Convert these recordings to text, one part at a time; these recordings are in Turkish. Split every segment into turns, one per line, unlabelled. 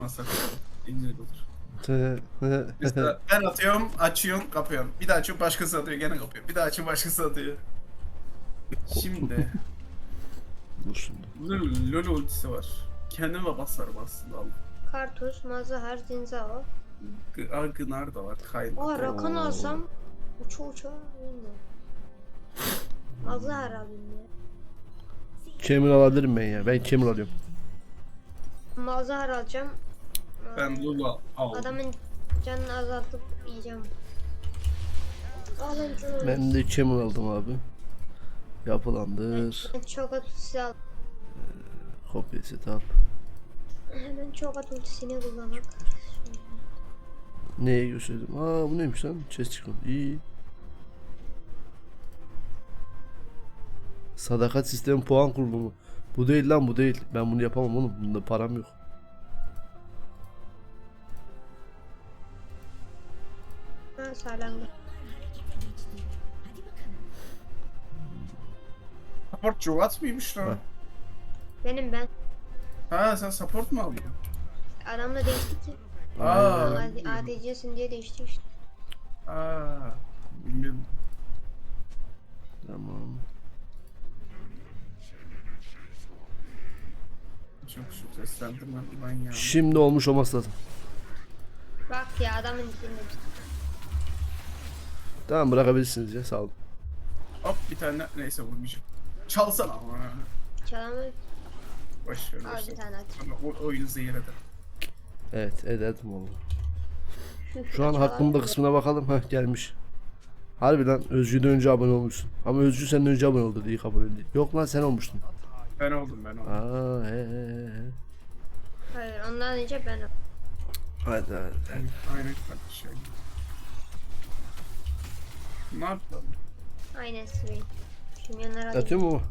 Masa güzel olur. Mesela
Dur
ben atıyorum, açıyorum, kapıyorum. Bir daha açıyorum, başkası atıyor, gene kapıyor. Bir daha açıyorum, başkası atıyor. Şimdi
şimdi.
LoL ultisi var. Kendime basarım aslında ama.
Kartus, Mazahar, Zinzao.
Gınar da var, Kayla.
Aa Rakan
Oo.
alsam uça uça bilmiyorum. Mazahar alayım ya.
Camel alabilirim ben ya. Ben Camel alıyorum.
Mazahar alacağım.
Ben Lula aldım.
Adamın canını azaltıp yiyeceğim. Alınca
Ben de Camel aldım abi. Yapılandır.
ben çok ultisi al.
Kopya setup.
Hemen çok ultisini kullanmak.
Neye gösterdim? Aa bu neymiş lan? Chest çıkıyor. İyi. Sadakat sistemi puan kurulumu. Bu değil lan bu değil. Ben bunu yapamam oğlum. Bunda param yok.
Ha sağlandı.
Support Juvat mıymış lan?
Ha.
Benim ben.
Ha sen support mu aldın?
Adamla değişti ki.
Aa,
ADC'sin diye değişti işte.
bilmiyorum.
Tamam.
Çok şu seslendirmem ben ya.
Şimdi olmuş olması lazım.
Bak ya adamın içinde.
Tamam bırakabilirsiniz ya sağ olun.
Hop bir tane neyse vurmayacağım. Çalsana ama.
Çalamı
Boş ver.
al
Boş
bir
ver.
tane at.
Sonra oyunu zehir eder.
Evet ederdim oğlum. Şu an hakkımda kısmına bakalım. Heh gelmiş. Harbiden Özgü'den önce abone olmuşsun. Ama Özgü senden önce abone oldu diye kabul edildi. Yok lan sen olmuştun.
Ben oldum.
Aa he.
Hayır ondan önce ben al.
Hadi hadi.
Aynen kardeşim. Ne yapalım?
Aynen sırayım. Şimdi yanlara
Atıyor mu?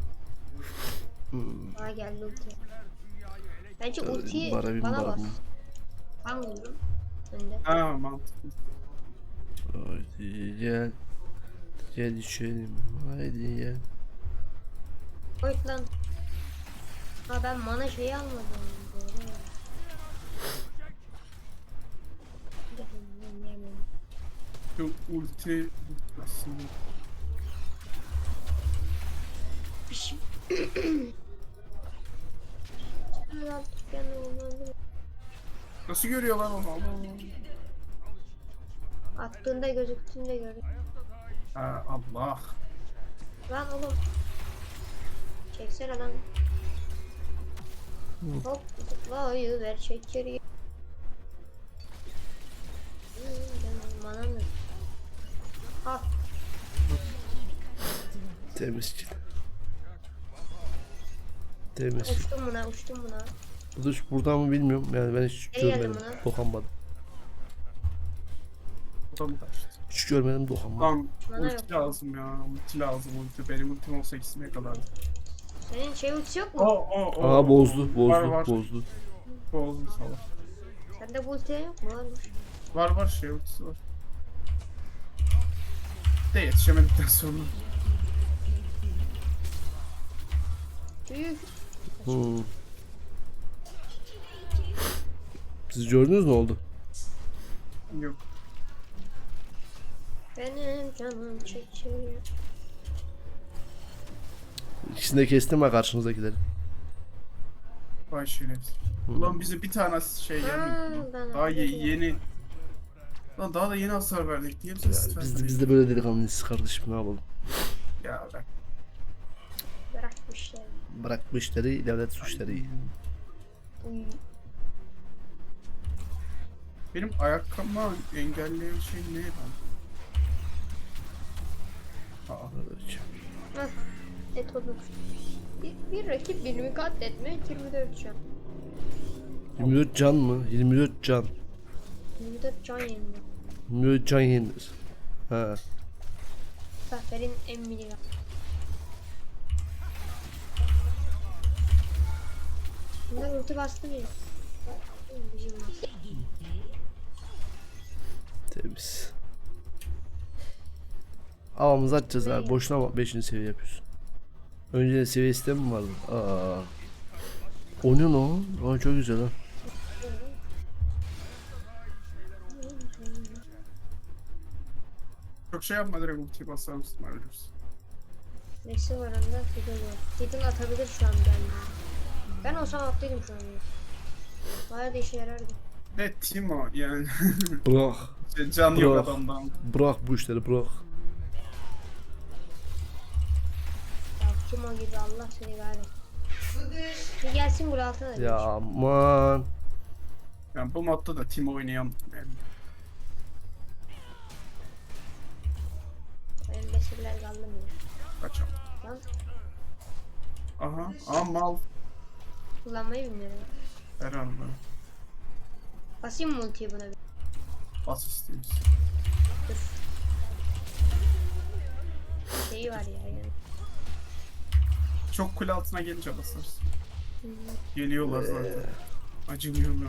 Aa geldi ulti. Bence ultiyi
Barabim
bana bas.
barabim.
Ben vururum. Önde.
Ha mantıklı.
Haydi gel. Gel içelim. Haydi gel.
Oy lan. Ha ben mana şeyi almadım. Doğru.
Şu ulti aslında. Nasıl görüyor lan onu?
Attığında gözüktüğünde gördüm.
Ha Allah.
Lan oğlum. Çeksene lan. Hop zıplayı ver çekeri. Bana mı? Al.
Temiz ki. Temiz ki.
Uçtum buna.
Bu da buradan mı bilmiyorum. Yani ben hiç
Geldim
görmedim.
buna.
Dokunmadım.
O da mı kaçtı?
Hiç görmedim dokunmadım.
Lan
Bana
ulti
yok.
lazım ya. Ulti lazım ulti. Benim ultim olsa ikisine kadar.
Senin şey ultisi yok mu?
Aa bozdu
Var,
bozdu
var.
bozdu.
Bozdu salak.
Sende bu ulti yok mu? Varmış.
Var şey ultisi var. De yetişemedikten sonra.
Tüh.
Hmm. Siz gördünüz ne oldu?
Yok.
Benim canım çekiyor.
İkisini de kestim ha karşınızdakileri.
Vay şerefsiz. Ulan bize bir tane şey gelmedi.
ben
Daha
anladım.
yeni. Lan daha da yeni hasar verdik. Niye bize
Ya,
hasar
biz de böyle delikanlıyız kardeşim ne yapalım.
Ya bak.
Bırakmışlar.
Bırak bu işleri devlet suçları.
Uy.
Benim ayakkabımı engelleyen şey ne lan? Aa.
Hah. Et olur. Bir rakip birimi katletme 24 can.
24 can mı? 24 can.
24 can yeniliyor.
24 can yenilir. Ha.
Zafer'in emmili. Bunlar ulti bastı mı? Bizim bastı.
Temiz. Havamızı atacağız abi. Boşuna 5. seviye yapıyorsun. Önce seviye sistemi mi vardı? Aa. O ne lan? Aa çok güzel ha.
Çok şey yapma, direkt ultiyi basar mısın? Ölürsün.
Nesi var onda? Fiddle var. Fiddle atabilir şu an ben. Ben olsam attıydım şu an. Bayağı da işe yarardı.
Ne Timo yani.
Bırak.
Can yok
Bırak.
adamdan.
Bırak bu işleri bırak.
Ya kim o gibi, Allah seni gari. Bir gelsin buraya altına da.
Ya aman.
Yani bu modda da Timo oynayan yani.
Benim besirler kaldı mı ya?
Kaçam.
Lan
Aha. Aa mal.
kullanmayı bilmiyorum.
Herhalde.
Basayım mı ultiyi buna bir?
Bas isteyiz.
Dur. Şeyi var ya yani.
Çok kule altına gelince basarsın. Geliyorlar zaten. Acımıyorum ya.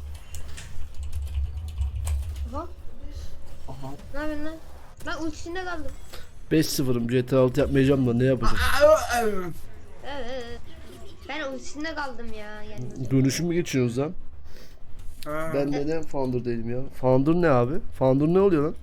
Aha.
Aha.
Ne yapıyorsun lan? Ben ultisinde kaldım.
5-0'ım GTA 6 yapmayacağım da ne yapacağım?
Evet. Ben ultisinde kaldım ya. Yani.
Dönüşüm mü geçiyoruz lan?
Ha.
Ben neden founder değilim ya? Founder ne abi? Founder ne oluyor lan?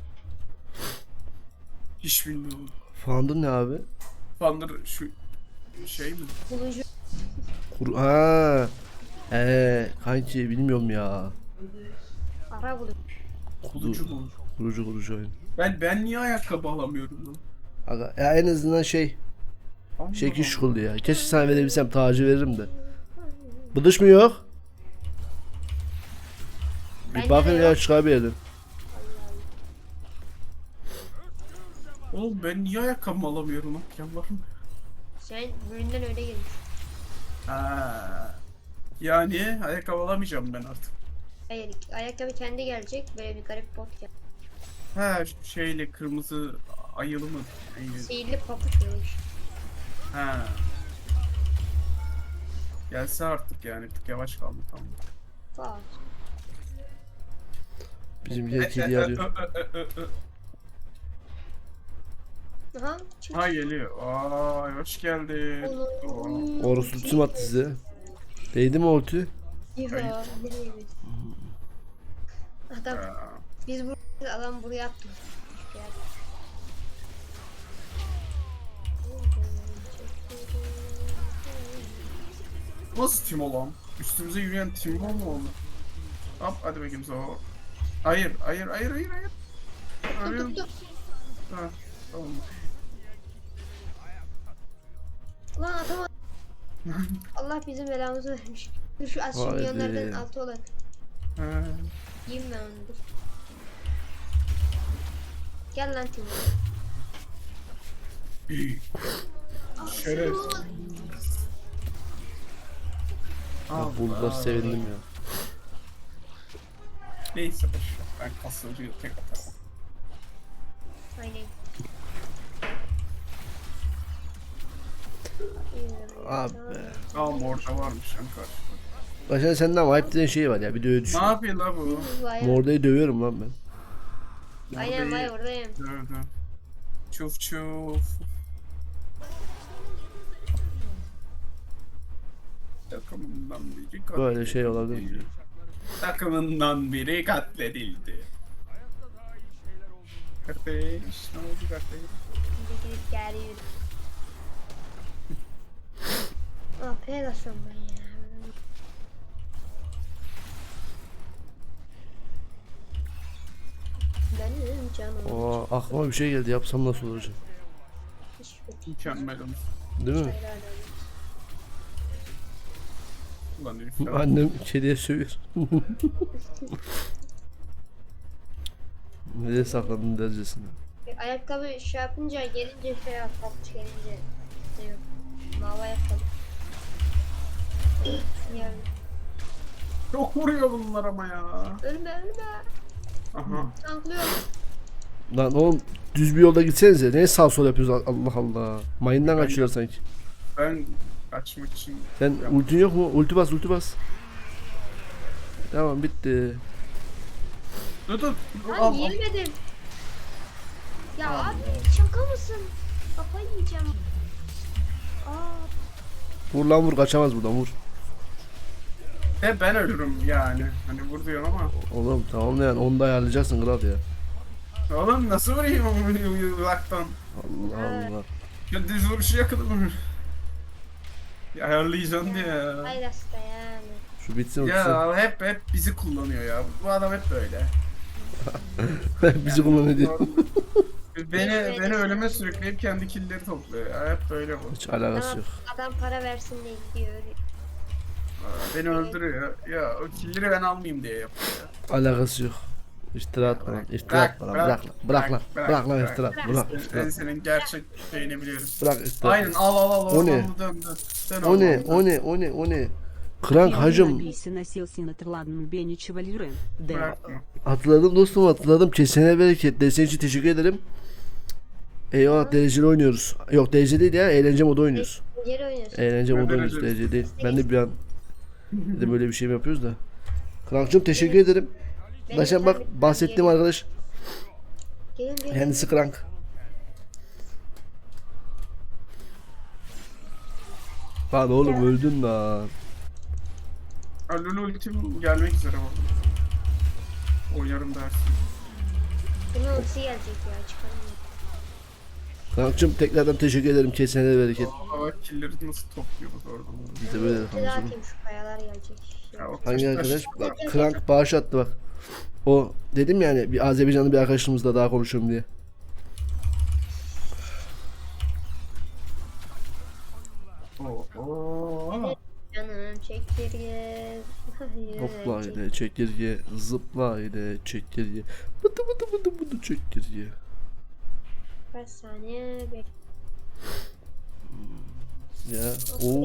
Hiç bilmiyorum.
Founder ne abi?
Thunder şu şey mi?
Bulucu.
Ha. Kanki bilmiyorum ya.
Ara bulucu.
Kulucu mu?
Kurucu oyun.
Ben niye ayakkabı alamıyorum lan?
Aga, ya en azından şey
Allah
şekil
Allah.
şukul ya. Keşke sana verebilsem tacı veririm de. Bıdış mı yok? Bir
Bende
bakın
de
ya
yok.
çıkar bir yerden.
Oğlum ben niye ayakkabı alamıyorum lan? Yalvarırım.
Sen bölümden öyle gelmiş.
Ha. Yani ayakkabı alamayacağım ben artık.
Hayır, ayakkabı kendi gelecek. Böyle bir garip bot gel.
Ha şu şeyle kırmızı ayılı mı? Ayılı.
Sihirli papuç böyle bir şey.
Ha. Gelse artık yani. Bir tık yavaş kaldı tamam.
Vay.
Bizimkiler kedi arıyor.
Aha. Çık.
Ha geliyor. Aa hoş geldin. Oo.
Orası tüm attı size. Değdi mi ortu?
Ya, nereye biz? Adam,
Ha.
biz buraya, adam buraya attı.
Nasıl Timo lan? Üstümüze yürüyen Timo mu oldu? Hop hadi bakayım so. Hayır. Hayır.
Tut.
Ha, tamam.
Lan atamadım. Allah bizim belamızı vermiş. Dur şu az
Vay
milyonlardan
be.
altı olan.
Ha.
Yiyeyim ben onu dur. Gel lan Timo.
Şeref.
Bak buldular sevindim ya.
Neyse boş ver. Ben kasılcıyı tek atarım.
Aynen.
Abi.
Aa morda varmış lan karşıda.
Başka senden vibe dediğin şey var ya bir de öyle düşün.
Ne yapıyor la bu?
Mordayı dövüyorum lan ben.
Aynen vay oradayım.
Dövdü. Çuf. Takımından biri katledildi.
Böyle şey olabilir mi?
Takımından biri katledildi. Kardeş ne oldu kardeş?
Gidip geliyor. Ah Pegasus ben ya. Benim canım.
Aa, aklıma bir şey geldi yapsam nasıl olacak?
Hiçbir
Mükemmelim.
Değil mi?
hayran
Ulan herif ya.
Annem kediye sövüyor. Nereye sakladın dercesine?
Ayakkabı şey yapınca gelince şey yap, papuç gelince ne yok. Mavi ayakkabı. Yani.
Çok vuruyor bunlar ama ya.
Ölme.
Aha.
Tanklıyorum.
Lan oğlum düz bir yolda gitsenize. Neye sağ sol yapıyoruz Allah Allah. Mayından kaçıyorlar sanki.
Ben kaçmak için
Sen ultin yok mu? Ulti bas. Tamam bitti.
dur.
Lan yemedim. Ya abi şaka mısın? Kafayı yiyeceğim. Aa,
Vur lan vur kaçamaz buradan vur.
Ben ölürüm yani. Hani vur diyorsun ama.
Oğlum tamam da yani onu da ayarlayacaksın kral ya.
Oğlum nasıl vurayım uzaktan?
Allah Allah.
Ya düz vuruşu yakaladım. Ya ayarlayacaksın diye ya.
Faydası da yani.
Şu bitsin o bitsin.
Ya hep bizi kullanıyor ya. Bu adam hep böyle.
Bizi kullanıyor diye.
Beni ölüme sürükleyip kendi killleri topluyor ya. Hep böyle bu.
Hiç alakası
Adam,
yok.
adam para versin diye gidiyor.
Beni öldürüyor. Ya o killleri ben almayayım diye yapıyor ya.
Alakası yok. İftira atma lan. İftira atma lan. Bırak lan. Bırak lan iftira. Bırak
Ben
iftira.
senin gerçek şeyini biliyorum.
Bırak iftira.
Aynen al.
O ne?
Ormanlı dön. Dön
O ne?
ormanlı.
O ne? Krank hacım.
Алисе носился на трладном бене чевалюры. Д.
Bırakma.
Hatırladım dostum hatırladım. Kesene bereket. Desteğin için teşekkür ederim. Eyvallah dereceli oynuyoruz. Yok derece değil ya. Eğlence modu oynuyoruz.
Geri oynuyorsun.
Eğlence modu
Ben
oynuyoruz.
dereceli.
Derece değil. Ben de bir an dedim böyle bir şey mi yapıyoruz da. Krank'cığım teşekkür ederim.
Benim
Başkan bak
tabii-
bahsettiğim arkadaş.
Gelin.
Kendisi Krank. Lan oğlum öldün lan.
Lulu ultim gelmek üzere bu. Oynarım dersin.
Bunun ultisi gelecek ya çıkarım.
Krank'cığım tekrardan teşekkür ederim. Kesene bereket.
Aa killleri nasıl topluyoruz oradan.
Biz de böyle
Bir
yapalım.
daha atayım şu kayalar gelecek.
Ya, o
Hangi
taş-
arkadaş? Bak Krank bağış attı bak. O dedim yani bir Azerbaycanlı bir arkadaşımızla daha konuşuyorum diye.
Oo.
Canım çekirge.
Hopla ile çekirge, zıpla ile çekirge. Bıdı çekirge.
Kaç saniye bek.
Ya ooo.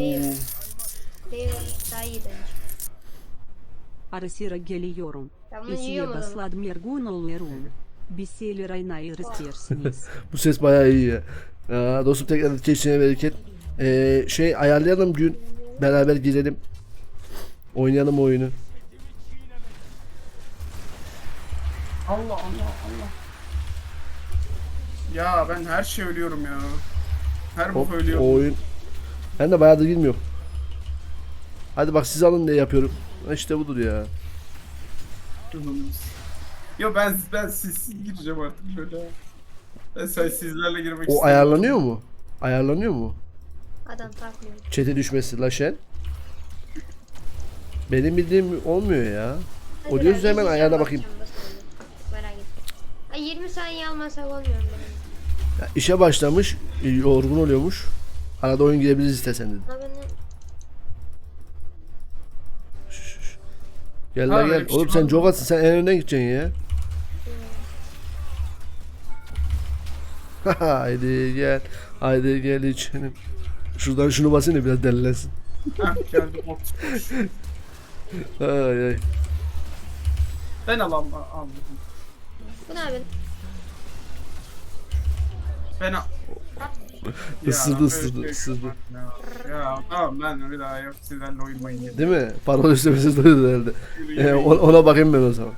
Daha iyi bence.
Арасира гелиорум.
Ben bunu yiyorum o
Исьеда
zaman.
сладмергунул лерун. Бесели райна и растерсинис.
Bu ses bayağı iyi ya. Ya dostum tekrar kesene bereket. Şey ayarlayalım gün beraber girelim. Oynayalım oyunu.
Allah. Ya ben her şey ölüyorum ya. Her
Hop,
bu
o
ölüyorum.
oyun. Ben de bayağıdır girmiyorum. Hadi bak siz alın diye yapıyorum. İşte budur ya.
Yo ben sizsiz gireceğim artık böyle. Ben sizlerle girmek
O
istiyorum.
ayarlanıyor mu? Ayarlanıyor mu?
Adam takmıyor.
Çete düşmesi la şen. Benim bildiğim olmuyor ya. O
Hadi
diyoruz
ben
hemen
izleyeceğim,
ayarla bakayım.
bakacağım da sonra. Merak etme. Ay 20 saniye almasak olmuyor mu benim?
Ya işe başlamış, yorgun oluyormuş. Arada oyun girebiliriz istesen dedi.
Ha beni
Gel
Ha,
la
öyle
gel.
bir şey
Oğlum
var
sen
mı?
jogasın, sen en önden gideceksin ya. Haydi gel. Haydi gel içelim. Şuradan şunu basayım da biraz delilensin.
Heh, geldi bot.
Ay ay.
Ben aldım.
Bu ne abi?
Ben al.
Isırdı,
Ya,
ısırdı,
böyle şey
ısırdı.
yok ya tamam ben bir daha yok sizlerle oynamayın.
Değil mi? Parol üstlemesi duydu herhalde. Ona bakayım ben o zaman.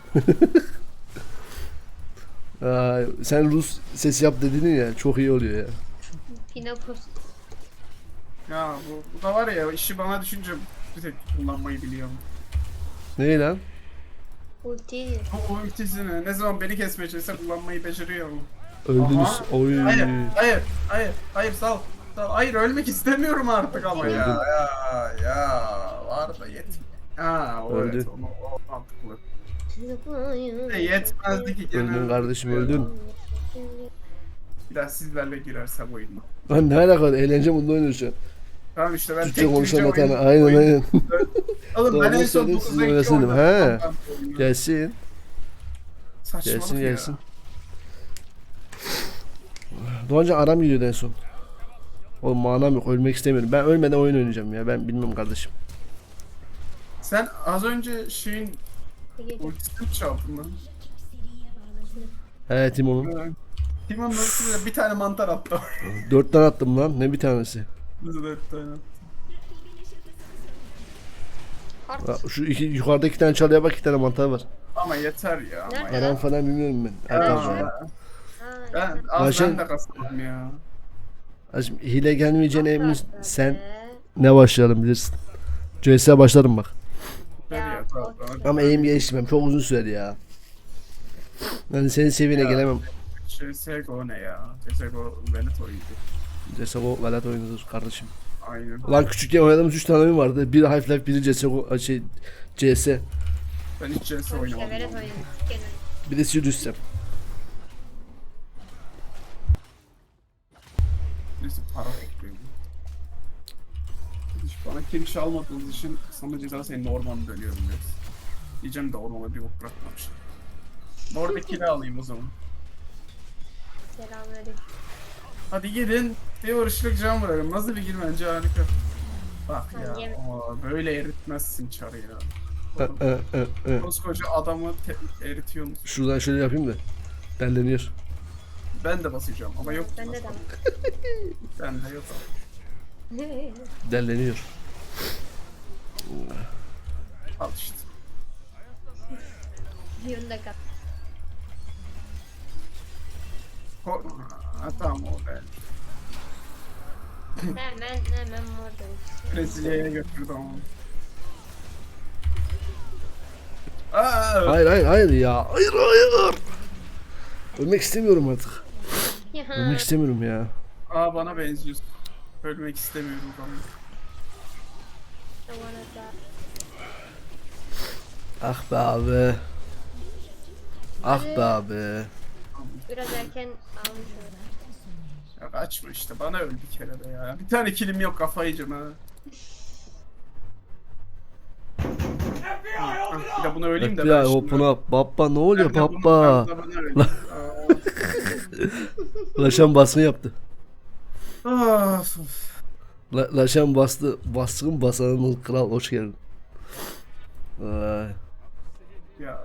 Ay, sen Rus sesi yap dedin ya çok iyi oluyor ya.
Pinopos.
Ya bu da var ya işi bana düşünce bir tek kullanmayı biliyorum.
Ne lan?
Ulti.
O ultisini ne zaman beni kesmeye çalışsa kullanmayı beceriyor mu?
Öldünüz.
Aha.
Oy.
Hayır sal. Hayır ölmek istemiyorum artık ama ya. Ya var da yet. Ha o
Öldü.
evet o mantıklı. Yetmezdi ki gene.
Öldün kardeşim öldün.
Bir daha sizlerle girersem oyuna.
Lan ne alaka? Eğlence mutlu oynuyoruz şu an.
Tamam işte ben
Türkçe
tek
konuşan
gireceğim
bir tane.
oyun.
Aynen aynen.
Oğlum ben
Doğru
en son
söyledin,
9
sizin
renkli
oynasaydım.
oynadım.
He. Gelsin.
Saçmalık
Gelsin
ya.
gelsin. Doğancan aram gidiyordu en son. Oğlum manam yok ölmek istemiyorum. Ben ölmeden oyun oynayacağım ya. Ben bilmem kardeşim.
Sen az önce şeyin ultisini mi çaldın lan?
He Timon'un.
Timon'un ultisine bir tane mantar attı.
4 tane attım lan. Ne bir tanesi.
Nasıl 4 tane attı?
Ha, şu iki, yukarıda 2 tane çalıya bak 2 tane mantar var.
Ama yeter ya. Ama
Nerede?
ya.
Aram falan bilmiyorum ben.
Ya,
Arkadaşlar.
Ben
Lan
az
sen-
ben de kasmadım ya.
Hacım, hile gelmeyeceğine emin sen ne başlayalım bilirsin. CS'ye başlarım bak.
Ver ya, tamam.
Ama eğim geliştirmem çok uzun sürer ya. Ben senin seviyene
Ya.
gelemem.
CSGO ne ya? CSGO Veneto'ydu.
CSGO velat oynuyoruz kardeşim.
Aynen.
Ulan küçükken oynadığımız 3 tane oyun vardı. Biri Half-Life, biri CSGO, CS.
Ben hiç CS
İşte
oynamadım.
Velet oynadım. Gene.
Bir de Sirius Sam.
Neyse para topluyorum. Hiç bana kill çalmadığınız için sana ceza senin ormana dönüyorum biraz. Diyeceğim de ormana bir ok bırakmamış. Orada kill alayım o zaman.
Selamünaleyküm.
Hadi gidin. Bir vuruşluk can bırakın. Nasıl bir girmence harika. Bak ya.
Hangi-
Böyle eritmezsin çarı ya. Koskoca adamı eritiyorsun.
Şuradan şöyle yapayım da. Delleniyor.
Ben de basacağım ama yok.
Bende de var.
Bende yok.
Delleniyor.
Al işte.
Yunda kat.
Ha, tamam o ben.
Hemen oradayım.
Brezilya'ya götürdüm onu. Aa,
Hayır hayır hayır ya. Hayır hayır. Ölmek istemiyorum artık. Ölmek istemiyorum ya.
bana benziyorsun. Ölmek istemiyorum falan.
Ah be abi. Ah be abi.
Biraz erken almış oldum.
Ya kaçma işte bana öl bir kere de ya. Bir tane kilim yok kafayı yiyeceğim ha. Bir de bunu öleyim de
Ya
ben
hopun up. Baba ne oluyor
Ben de bunu-
baba?
ben de bunu öleyim.
Laşan basma yaptı.
Of.
Laşan bastı. Baskın basanın kral hoş geldin. Ay.
Ya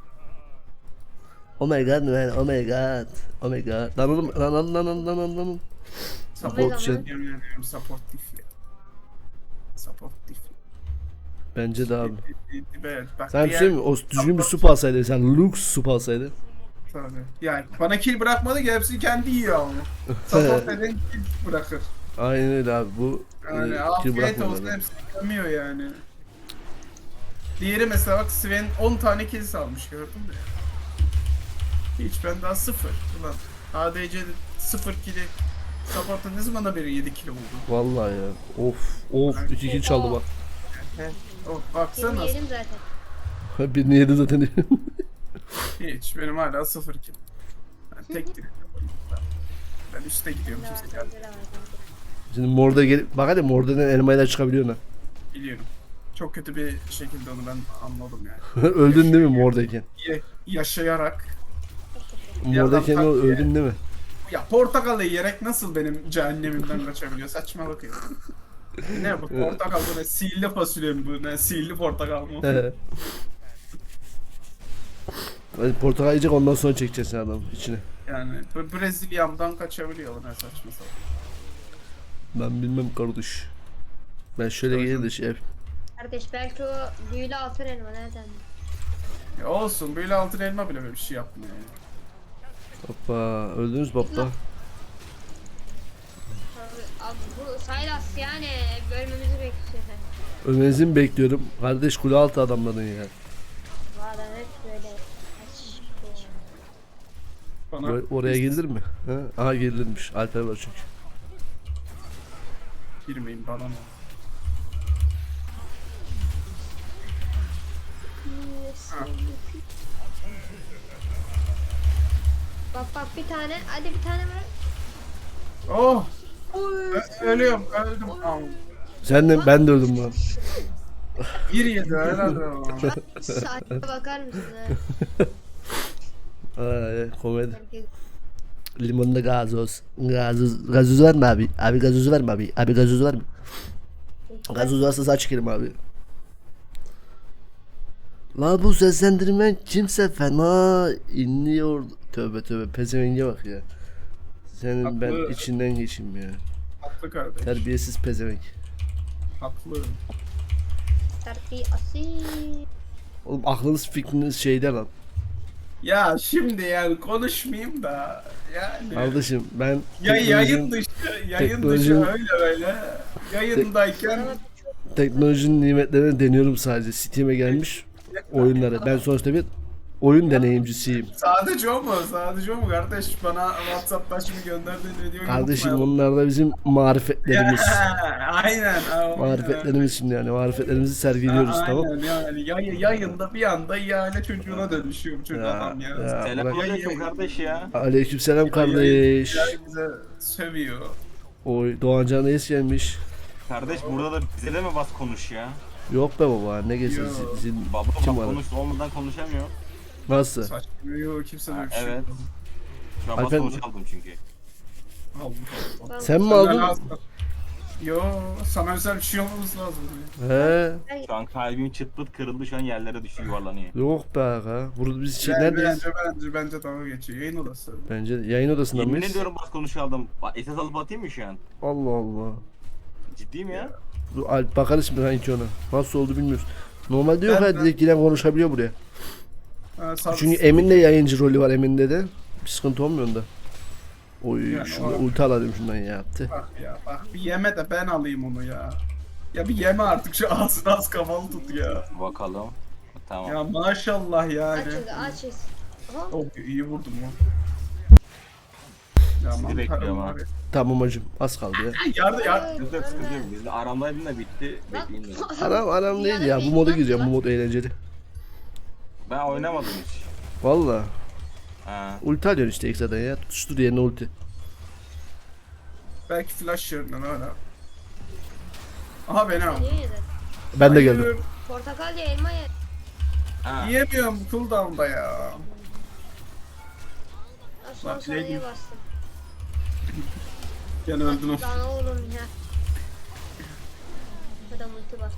Oh my god man, oh my god. Oh my god. Lan oğlum, lan.
support
şey-
yemin ediyorum supportif ya. Supportif.
Bence de abi.
Evet, bak
Sen bir
diğer-
şey mi? O düzgün bir sup alsaydı. Sen lux sup alsaydı.
Tabii. Yani bana kill bırakmadı ki hepsini kendi yiyor ama. Support eden kill bırakır.
Aynen öyle abi. Bu
Yani
kill
afiyet
bırakmıyor
olsun
adam.
hepsini yemiyor yani. Diğeri mesela bak Sven 10 tane kill salmış gördün mü? Hiç ben daha 0. Ulan ADC'de 0 kill'i Support'ta ne zamana beri 7 kill oldu?
Vallahi ya. Of 2 kill çaldı bak.
Oh, baksana
Birini yedim zaten.
Birini yedi zaten.
hiç benim hala 0 kill. Ben tek kill. Ben üste gidiyorum
Daha
kimse geldi.
bende de var.
Şimdi morda gelip bak hadi mordadan elmayla çıkabiliyorsun ha.
Biliyorum. Çok kötü bir şekilde onu ben anladım yani.
Öldün değil mi mordayken?
Yaşayarak.
Mordayken
tak diye.
öldün değil mi?
Ya portakalı yiyerek nasıl benim cehennemimden kaçabiliyor? Saçmalık ya. Ne bu portakal bu ne? Sihirli fasulye mi bu ne? Sihirli portakal mı?
Hadi portakal yiyecek ondan sonra çekeceksin adamı içine.
Yani Brezilya'mdan kaçabiliyor ne saçma sapan.
Ben bilmem kardeş. Ben şöyle gelir de şey yapayım.
Kardeş belki o büyülü altın elma nereden?
Ya olsun böyle altın elma bile böyle bir şey yapmıyor yani.
Hoppa öldünüz baba.
Abi, abi bu Saylas yani bölmemizi bekliyor.
Ölmenizi mi bekliyorum? Kardeş kule altı adamların ya.
Valla hep böyle. Aç.
Bana
Oraya gelir mi? Ha? Aha gelirmiş. Alper var çünkü.
girmeyin bana ne?
Bak bir tane hadi bir tane var.
Oh!
Oy.
Ölüyorum öldüm.
Sen de ben de öldüm lan.
Bir yedi herhalde o.
Saate bakar mısın ha?
Ay, komedi.
Herkes
Limonda gazoz. Gazoz var mı abi? Abi gazoz var mı abi? Abi gazoz var mı? Gazoz varsa saç çekelim abi. La bu seslendirmen kimse fena inliyor. Tövbe pezevenge bak ya. Senin ben
Haklı.
içinden geçeyim ya.
Haklı kardeş.
Terbiyesiz pezevenk.
Haklı.
terfi asil.
Oğlum aklınız fikriniz şeyde lan.
Ya şimdi yani konuşmayayım da yani.
Kardeşim ben
Ya yayın
teknolojinin,
dışı
teknolojinin-
öyle yayındayken
teknolojinin nimetlerini deniyorum sadece. Steam'e gelmiş oyunları. Ben sonuçta bir oyun deneyimcisiyim.
Sadece o mu? Sadece o mu kardeş? Bana WhatsApp'tan şimdi gönderdiğin videoyu
Kardeşim
unutmayalım.
bunlar da bizim marifetlerimiz.
Aynen.
Marifetlerimiz şimdi yani. Marifetlerimizi sergiliyoruz tamam.
Aynen yani yayında bir anda ihale çocuğuna dönüşüyor bu çocuk
Ya,
adam ya.
ya. Bırak.
Selamünaleyküm kardeş ya.
Aleykümselam kardeş.
Bize sövüyor.
Oy Doğancan Reis gelmiş.
Kardeş burada da bize de mi bas konuş ya?
Yok be baba ne gezin
Yo.
sizin
Baba
kim
bak
var?
konuş olmadan konuşamıyor.
Nasıl?
Saçmalıyor kimse
Ha,
böyle bir şey.
evet. Şu an bas
Alper-
konuş aldım çünkü.
Aldım.
Ben-
Sen mi
Sana
aldın?
lazım. Yo sana özel bir şey olmaması lazım.
He.
Şu an kalbim çıt pıt kırıldı şu an yerlere düşüyor yuvarlanıyor.
Yok be aga. Burada biz şey
Bence,
neredeyiz?
bence dalga geçiyor. Yayın odası.
Bence yayın odasında
Yemin
mıyız?
ediyorum bas konuş aldım. Esas alıp atayım mı şu an?
Allah Allah.
Ciddiyim ya.
Dur, Alp bakarız şimdi sanki ona. Nasıl oldu bilmiyoruz. Normalde yok
Ben-
ya direkt giren konuşabiliyor buraya.
Ha,
Çünkü Emin'de yayıncı rolü var Emin'de de. Bir sıkıntı olmuyor onda. Oy
Yani
şunu
o-
ulti alalım şundan ya. Tüh.
Bak ya bak bir yeme de ben alayım onu ya. Ya bir yeme artık şu ağzını az kafalı tut ya.
Bakalım. Tamam.
Ya maşallah yani.
Aç şimdi aç. Aha.
Oh iyi vurdum ya. Ya
Sizi
mantarım
bekliyorum ha.
abi.
Tamam hacım az kaldı ya.
Yardım ya.
Sıkıntı yok sıkıntı yok. Bizde aramdaydın da bitti. Bekleyin dedim.
Aram değil ya bu moda gireceğim bu mod eğlenceli.
Ben oynamadım hiç.
Valla.
Ha.
Ulti alıyorsun işte ekstradan ya. Tutuştur yerine ulti.
Belki flash yerinden öyle. Aha beni al.
Niye yedin?
Ben de
Hayır,
geldim.
Portakal ye, elma ye.
Ha.
Yiyemiyorum cooldown'da ya.
Ha, Son
Bak,
saniye
yedim.
bastım.
Gene öldün o.
Lan oğlum ya. Adam ulti bastı.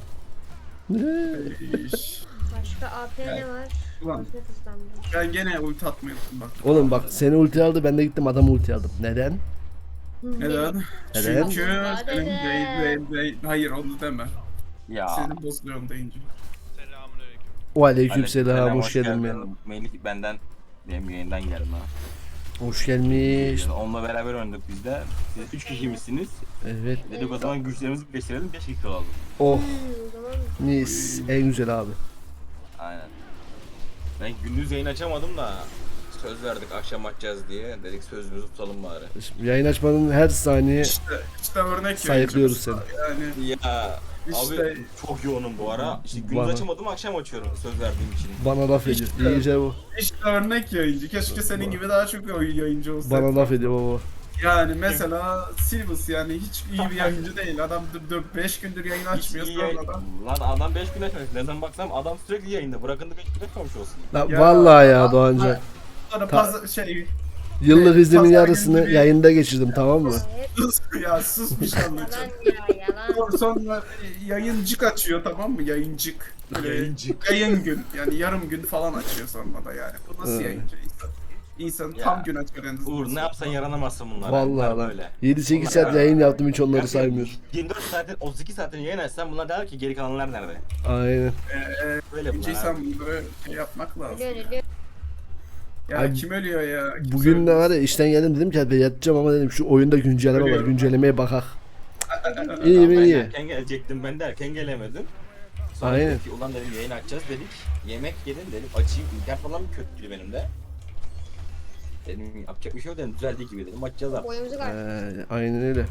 İş.
Başka AP ne var?
Ulan.
Başka hızlandı.
Ben gene ulti atmayı unuttum bak.
Oğlum bak seni ulti aldı ben de gittim adam ulti aldım. Neden?
Neden?
Neden?
Çünkü
Allah
senin
dede.
değil. Hayır onu deme.
Ya.
Senin bozuyorum deyince.
O aleykümselam hoş geldin
geldin.
ya.
Melih benden benim yayından geldim ha.
Hoş gelmiş.
Yani onunla beraber oynadık biz de. Siz 3 kişi misiniz?
Evet.
Dedik o zaman güçlerimizi birleştirelim 5 kişi olalım.
Oh
O zaman
mis en güzel abi.
Aynen. Ben gündüz yayın açamadım da söz verdik akşam açacağız diye. Dedik sözümüzü tutalım bari.
Şimdi yayın açmanın her saniye
İşte örnek
sayıklıyoruz
yayıncımız. Yani
Ya
İşte-
abi çok yoğunum bu ara. İşte gündüz
Bana-
açamadım akşam açıyorum söz verdiğim için.
bana laf ediyor.
İşte-
İyi gece bu.
işte örnek yayıncı. Keşke senin gibi daha çok yayıncı olsa.
Bana laf ediyor baba.
Yani mesela Silvus yani hiç iyi bir yayıncı değil. Adam 5 gündür yayın
Hiç
açmıyor
iyi yayın...
sonradan.
Lan adam 5 gün açmamış. Nereden baksam adam sürekli yayında. Bırakın da 5 gün açmamış olsun.
Lan
Ya,
vallahi ya Doğanca.
Sonra
Ta-
şey
Yıllık iznimin
pazar
yarısını
günü bir-
yayında geçirdim tamam mı?
hep
sus ya susmuş anlatacağım.
yalan ya yalan.
Sonra yayıncık açıyor tamam mı? Yayıncık. Böyle
Yayıncık.
Yayın gün. Yani yarım gün falan açıyor sonra da yani. Bu nasıl
Hı.
yayıncı insan? İnsan
Ya,
tam gün açıyor en azından.
Uğur ne yapsan yaranamazsın bunlara.
Vallahi
Bunlar
lan.
böyle.
7-8
Bunlar
saat
böyle.
yayın yaptım hiç onları
Gerçekten
saymıyorum.
24 saatin 32 saatin yayın açsan bunlar der ki geri kalanlar nerede?
Aynen.
Böyle bunlar.
İnsan
abi.
böyle şey yapmak lazım.
Ölüyor.
Ya
Ay,
kim ölüyor ya? Kim
Bugün de
ölüyor?
var ya işten geldim dedim ki hadi yatacağım ama dedim şu oyunda güncelleme var
Ölüyorum.
güncellemeye bakak.
Ya
İyi mi
ben
iyi.
erken gelecektim ben de erken gelemedim. Sonra
Aynen.
dedim ki ulan dedim yayın açacağız dedik. Yemek yedim dedim açayım. İnternet falan kötüydü benim de. Dedim yapacak bir şey yok dedim düzeldiği gibi dedim açacağız artık.
Boyumuzu kaç.
Aynen öyle.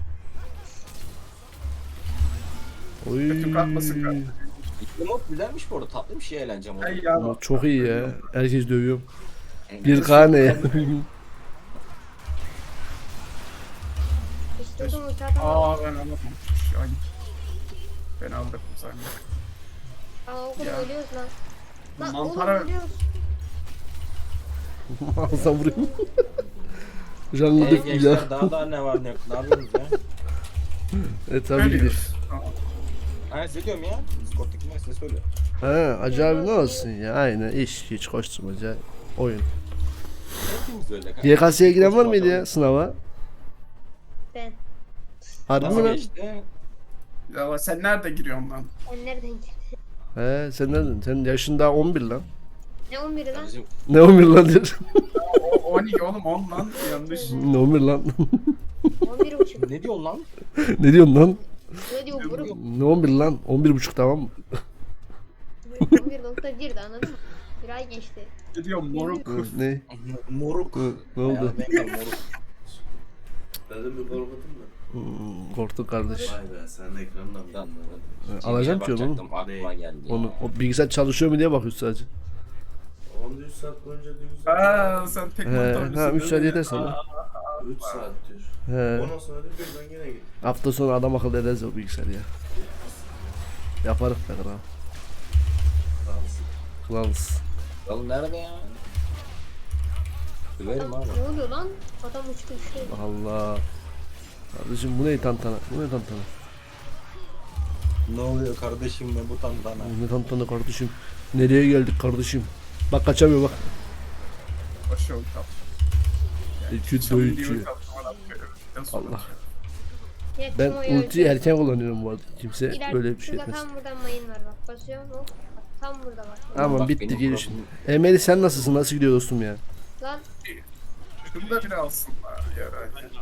Oy.
Kötü kalkmasın kardeşim.
İlk mod güzelmiş bu arada tatlı bir şey eğlence modu.
Ay ya.
Ama çok iyi ya. Herkes dövüyorum.
Yani
1K ne ya?
İstiyordum ulti atamadım.
Aa ben anlatmamışım. Ay. Ben aldım sanki.
Aa oğlum
Ya.
ölüyoruz lan. Lan oğlum
Mantara
ölüyoruz.
Alsam vurayım. Canlı
Hey
dık ya.
gençler daha ne var ne yok ne yapıyorsunuz ya?
Tabii ki de.
ölüyoruz. Tamam.
Aynen size diyorum ya. Discord'daki ben size söyle.
Ha acayip ne olsun ya aynen iş hiç koşturmaca oyun.
Hepimiz öyle.
YKS'ye giren var mıydı ya sınava?
Ben.
Harbi mi
Nasıl
lan?
geçti?
Ya sen nerede giriyorsun lan?
Sen nereden geldin?
He sen nereden? Sen yaşın daha 11 lan.
Ne 11'i lan?
Kardeşim
Ne 11 lan diyor.
O 12 oğlum 10 lan yanlış.
Ne 11 lan?
11.5.
ne diyorsun lan?
Ne diyorsun lan?
Ne diyor buruk?
Ne 11 lan? 11,5 tamam mı?
11.1'di anladın mı? Bir ay geçti.
Ne diyor moruk?
Ne?
Moruk.
Ne oldu?
Ya, ben de moruk.
Dedim bir korkutun mu?
Korktuk kardeş.
Vay be sen ekrandan mı?
Alacağım ki onu.
Bakacaktım, aklıma geldi.
Onu o bilgisayar çalışıyor mu diye bakıyoruz sadece.
13 saat boyunca diyor.
Aa sen tek
Ha 3 saat yeter sana.
3 saat diyor.
He.
Ondan sonra diyor ben yine gittim.
Hafta sonu adam akıllı ederiz o bilgisayarı ya. Yaparız be kral.
Kalsın.
Kılavuz.
Oğlum nerede ya? Döverim abi.
Ne oluyor lan? Adam uçtu düştü.
Allah. Kardeşim bu ne tantana? Bu ne tantana?
Ne oluyor kardeşim be bu tantana?
Bu ne tantana kardeşim? Nereye geldik kardeşim? Bak kaçamıyor bak.
Başım kap.
İki dövüşüyor. Allah.
Ya,
Ben
kim o ya?
ultiyi erken kullanıyorum bu arada. Kimse
İleride
öyle bir şey
şurada
etmez.
tam buradan mayın var bak. Basıyorum hop. Bak, tam burada bak.
Ama
Bak
bitti
benim
gelişin.
profilüm-
Emeli sen nasılsın? Nasıl gidiyor dostum ya?
Lan
Şunu da bir alsınlar ya.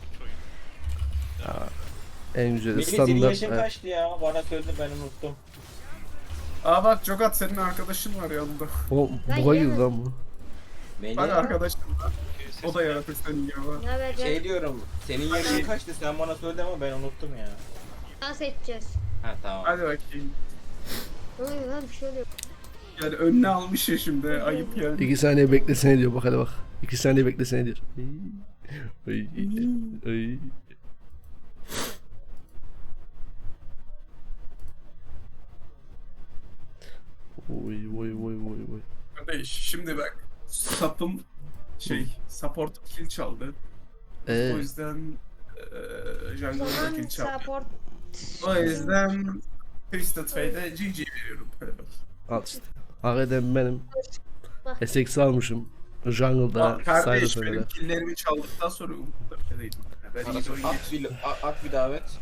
En güzeli
Melih senin
standart.
yaşın
Evet.
kaçtı ya? Bana söyle ben unuttum.
Aa bak Jogat senin arkadaşın var yanında.
O
Ben
buga girdi
yemedim.
lan bu.
Melih
Bak arkadaşın var. O da yaratık senin gibi var.
ne haber canım?
şey diyorum. Senin yaşın kaçtı? Sen bana söyle ama ben unuttum ya.
Dans edeceğiz.
Ha tamam.
Hadi bakayım.
Ne oluyor lan bir şey oluyor.
Yani önüne almış ya şimdi ayıp yani.
2 saniye beklesene diyor bak hadi bak. 2 saniye beklesene diyor. Ay, ay. Oy oy oy oy oy.
Kardeş şimdi bak. Sapım support kill çaldı. O yüzden
O
jungle'da
zaman
kill çaldı.
support.
O yüzden Twisted Fate'e GG veriyorum.
Al işte. Hakikaten benim. SX almışım. Jungle'da
Kardeş
Cyrus
benim
oynadı.
killlerimi çaldıktan sonra umutlarım değilim. Ben iyi de
At bir davet.